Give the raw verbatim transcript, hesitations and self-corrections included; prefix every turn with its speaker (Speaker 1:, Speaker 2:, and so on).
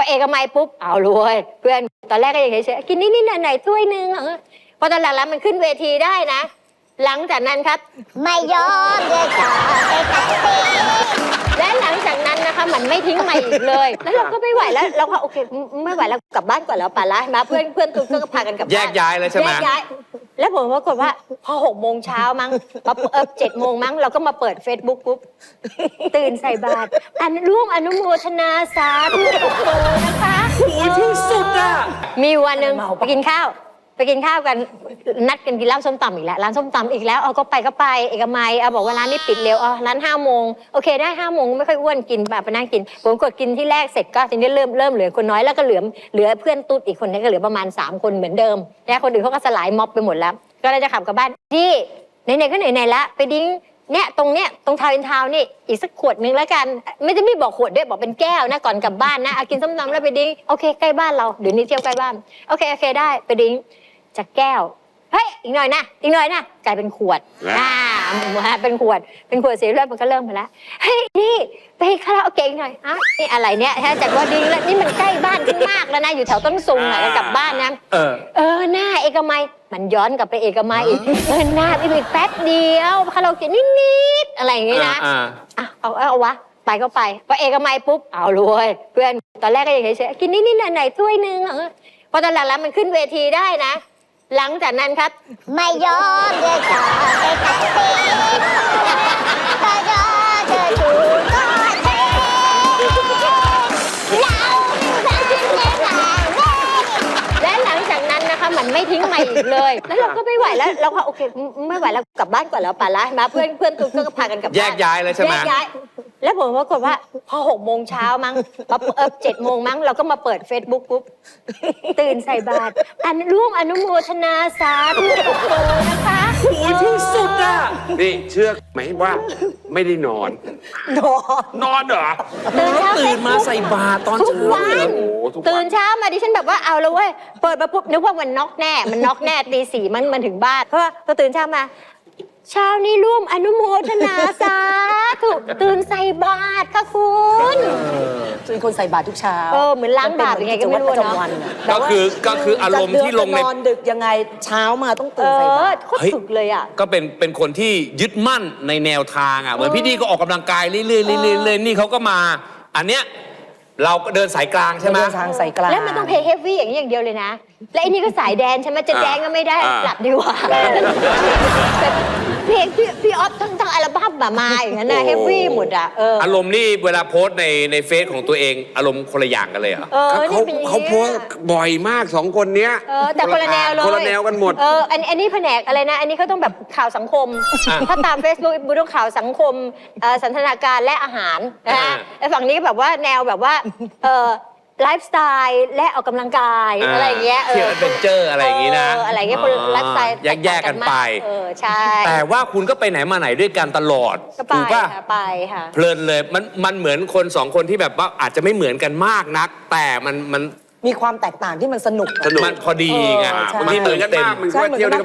Speaker 1: เอกมัยปุ๊บเอารวยเพื่อนตอนแรกก็ยังเฉยๆกินนิดๆหน่อยๆถ้วยนึงพอตอนหลังๆมันขึ้นเวทีได้นะหลังจากนั้นครับไม่ยอมเลยจ้าและหลังจากนั้นนะคะมันไม่ทิ้งมาอีกเลยแล้วเราก็ไม่ไหวแล้วเราก็โอเคไม่ไหวแล้วกลับบ้านก่อนแล้วป่าละมาเพื่อนเพื่อนตุ๊กก็พากันกลับบ้าน
Speaker 2: แยกย้ายเลยใช่ไหม
Speaker 1: แยกย้ายแล้วผมปรากฏว่าพอหกโมงเช้ามั้งเออเจ็ดโมงมั้งเราก็มาเปิด Facebook ปุ๊บตื่นใส่บาตรอันร่วมอนุโมทนาสาธุนะคะ
Speaker 2: ที่สุดอ่ะ
Speaker 1: มีวันหนึ่งไปกินข้าวไปกินข้าวกันนัดกันกินร้านส้มตำอีกแล้วร้านส้มตำอีกแล้วเอาก็ไปก็ไปเอกมัยเอาบอกว่าร้านนี้ปิดเร็วอ๋อร้านห้าโมงโอเคได้ห้าโมงไม่ค่อยอ้วนกินแบบไปนั่งกินผมกดกินที่แรกเสร็จก็ทีนี้เริ่มเริ่มเหลือคนน้อยแล้วก็เหลือเหลือเพื่อนตุ๊ดอีกคนนี้ก็เหลือประมาณสามคนเหมือนเดิมแล้วคนอื่นเขาก็สลายม็อบไปหมดแล้วก็เลยจะขับกลับบ้านที่ไหนๆก็ไหนๆละไปดิ้งเนี่ยตรงเนี้ยตรงทาวน์อินทาวน์นี่อีกสักขวดนึงแล้วกันไม่จะไม่บอกขวดด้วยบอกเป็นแก้วนะก่อนกลับบ้านนะกินส้มตำแล้วไปดิ้งโอเคใกล้บ้านเราเดี๋ยวนี้เที่ยวใกล้บ้านโอเคโอเคได้ไปดิ้งจากแก้วเฮ้ยอีกหน่อยนะอีกหน่อยนะกลายเป็นขวดอ่าเป็นขวดเป็นขวดเสียเลือดมันก็เริ่มไปแล้วเฮ้ยนี่ไปคาราโอเกะอีกหน่อยอ่ะนี่อะไรเนี่ยจากว่าดิ้งแล้วนี่มันใกล้บ้านขึ้นมากแล้วนะอยู่แถวต้นซุงน่ะกลับบ้านนะเออเออหน้าเอกมัยมันย้อนกลับไปเอกมัยอีกเออหน้าอีกแป๊บเดียวคาราโอเกะนิดๆอะไรอย่างงี้นะอ่ะเอาเอาวะไปก็ไปพอเอกมัยปุ๊บเอารวยเพื่อนตอนแรกก็ยังเฉยๆกินนิดๆหน่อยๆถ้วยนึงพอตอนหลังๆมันขึ้นเวทีได้นะหลังจากนั้นครับไม่ยอมเลยจ้าไปกับเต้ถ้ายอมเธอถูกก็เต้เราและหลังจากนั้นนะคะมันไม่ทิ้งมาอีกเลยแล้วเราก็ไม่ไหวแล้วเราก็โอเคไม่ไหวแล้วกลับบ้านก่อนแล้วป่าละมาเพื่อนเพื่อนตุ๊กก็พากันกลับบ้าน
Speaker 2: แยกย้ายเลยใช่ไหม
Speaker 1: แยกย้ายแล้วผมปรากฏว่าพอหกโมงเช้ามั้งเออเจ็ดโมงมั้งเราก็มาเปิด Facebook ปุ๊บตื่นใส่บาตรอันร่วมอนุโมทนาสาธุนะคะ
Speaker 2: ที่สุดอ่ะ
Speaker 3: นี่เชื่อไหมว่าไม่ได้นอน
Speaker 1: นอน
Speaker 3: นอนเหรอ
Speaker 1: ตื่นเช้า
Speaker 2: ตื่นมาใส่บาตรตอน
Speaker 1: ทุกวันตื่นเช้ามาดิฉันแบบว่าเอาแล้วเว้ยเปิดมาปุ๊บนึกว่ามันน็อกแน่มันน็อกแน่ตีสี่มันมันถึงบ้านเพราะว่าพอตื่นเช้ามาเช้านี้ร่วมอนุโมทนาสาธุตื่นใส่บาตรค่ะคุณ
Speaker 4: เป็นคนใส่บาตรทุกเช้า
Speaker 1: เออเหมือนล้างบาปยังไงก็ไม่รู้เนาะ
Speaker 2: ก็คือก็คืออารมณ์ที่ลงใน
Speaker 4: นอนดึกยังไงเช้ามาต้องตื่นใส่บาตร
Speaker 1: โคตรฝึกเลยอ่ะ
Speaker 2: ก็เป็นเป็นคนที่ยึดมั่นในแนวทางอ่ะเหมือนพี่ดีก็ออกกำลังกายเรื่อยๆเรื่อยๆนี่เขาก็มาอันเนี้ยเราก็เดินสายกลางใช่ไหม
Speaker 4: เดินทางสายกลาง
Speaker 1: แล้วมันต้องเพลย์เฮฟวี่อย่างนี้อย่างเดียวเลยนะและไอ้นี่ก็สายแดนใช่ไหมจะแดนก็ไม่ได้หลับดีกว่าเพลงพี่พี่ออฟทั้งทั้งอัลบั้มแบบมาอย่างนั้นนะเฮฟวี่หมดอ่ะ
Speaker 2: อารมณ์นี่เวลาโพสในในเฟซของตัวเองอารมณ์คนละอย่างกันเลยเหรอ
Speaker 3: เขาเขาโพสบ่อยมากสองคนเนี้ย
Speaker 1: แต่คนละแนวเลย
Speaker 3: คนละแนวกันหมด
Speaker 1: เอออันอันนี้แผนกอะไรนะอันนี้เขาต้องแบบข่าวสังคมถ้าตาม Facebook บูต้องข่าวสังคมสันทนาการและอาหารนะฮะไอ้ฝั่งนี้แบบว่าแนวแบบว่าเออไลฟ์สไตล์และออกกำลังกายอะไรอย่างเงี้ย
Speaker 2: เที่ยวแอดเวนเจอร์อะไรอย่างงี้นะ
Speaker 1: อะไรอย่างเงี้ยคนไลฟ์สไตล์
Speaker 2: แยกๆกันไป
Speaker 1: เออใช่
Speaker 2: แต่ว่าคุณก็ไปไหนมาไหนด้วยกันตลอด
Speaker 1: ถูกป่ะไปค่ะ
Speaker 2: เพลินเลยมันมันเหมือนคนสองคนที่แบบว่าอาจจะไม่เหมือนกันมากนักแต่มันมัน
Speaker 4: มีความแตกต่างที่มันสนุก
Speaker 3: สนุก
Speaker 2: มันพอดีไง
Speaker 3: มันเหมือนกันมากมันก็เที่ยว